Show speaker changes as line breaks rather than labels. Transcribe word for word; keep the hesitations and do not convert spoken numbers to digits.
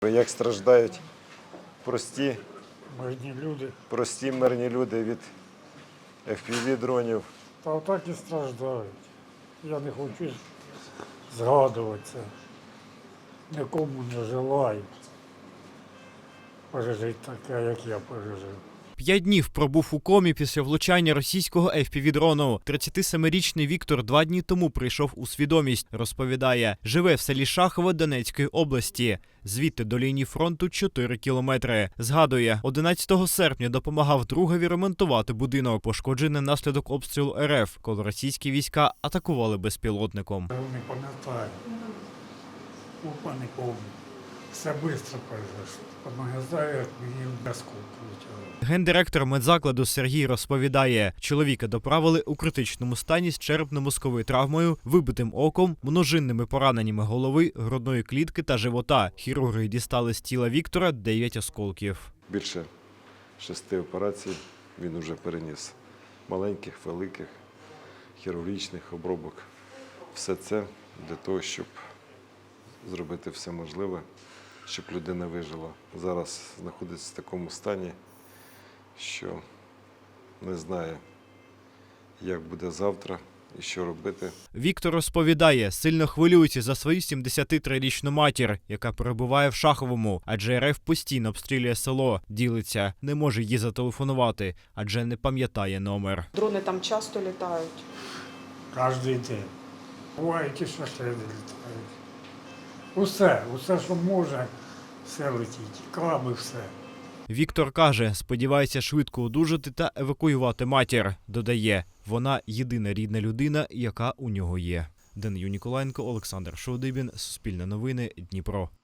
Як страждають прості,
Мирні люди.
прості мирні люди від еф пі ві-дронів.
Та отак і страждають. Я не хочу згадувати це. Нікому не желаю пережити таке, як я пережив.
П'ять днів пробув у комі після влучання російського еф пі ві-дрону. тридцятисемирічний Віктор два дні тому прийшов у свідомість. Розповідає, живе в селі Шахове Донецької області. Звідти до лінії фронту чотири кілометри. Згадує, одинадцятого серпня допомагав другові ремонтувати будинок, пошкоджений наслідок обстрілу ер еф, коли російські війська атакували безпілотником.
Я не пам'ятаю. Опа, не пам'ятаю. Все швидко произошло. Пам'ятаю, як мені осколки летіли.
Гендиректор медзакладу Сергій розповідає, чоловіка доправили у критичному стані з черепно-мозковою травмою, вибитим оком, множинними пораненнями голови, грудної клітки та живота. Хірурги дістали з тіла Віктора дев'ять осколків.
Більше шести операцій він уже переніс. Маленьких, великих, хірургічних обробок. Все це для того, щоб зробити все можливе, щоб людина вижила. Зараз знаходиться в такому стані, що не знає, як буде завтра і що робити.
Віктор розповідає, сильно хвилюється за свою сімдесятитрирічну матір, яка перебуває в Шаховому, адже ер еф постійно обстрілює село. Ділиться, не може їй зателефонувати, адже не пам'ятає номер.
Дрони там часто літають.
Кожен день. Бувають і шахеди літають. Усе, усе, що може, все летить. Каби, все.
Віктор каже, сподівається швидко одужати та евакуювати матір. Додає, вона єдина рідна людина, яка у нього є. Данию Ніколаєнко, Олександр Шовдибін, Суспільне новини, Дніпро.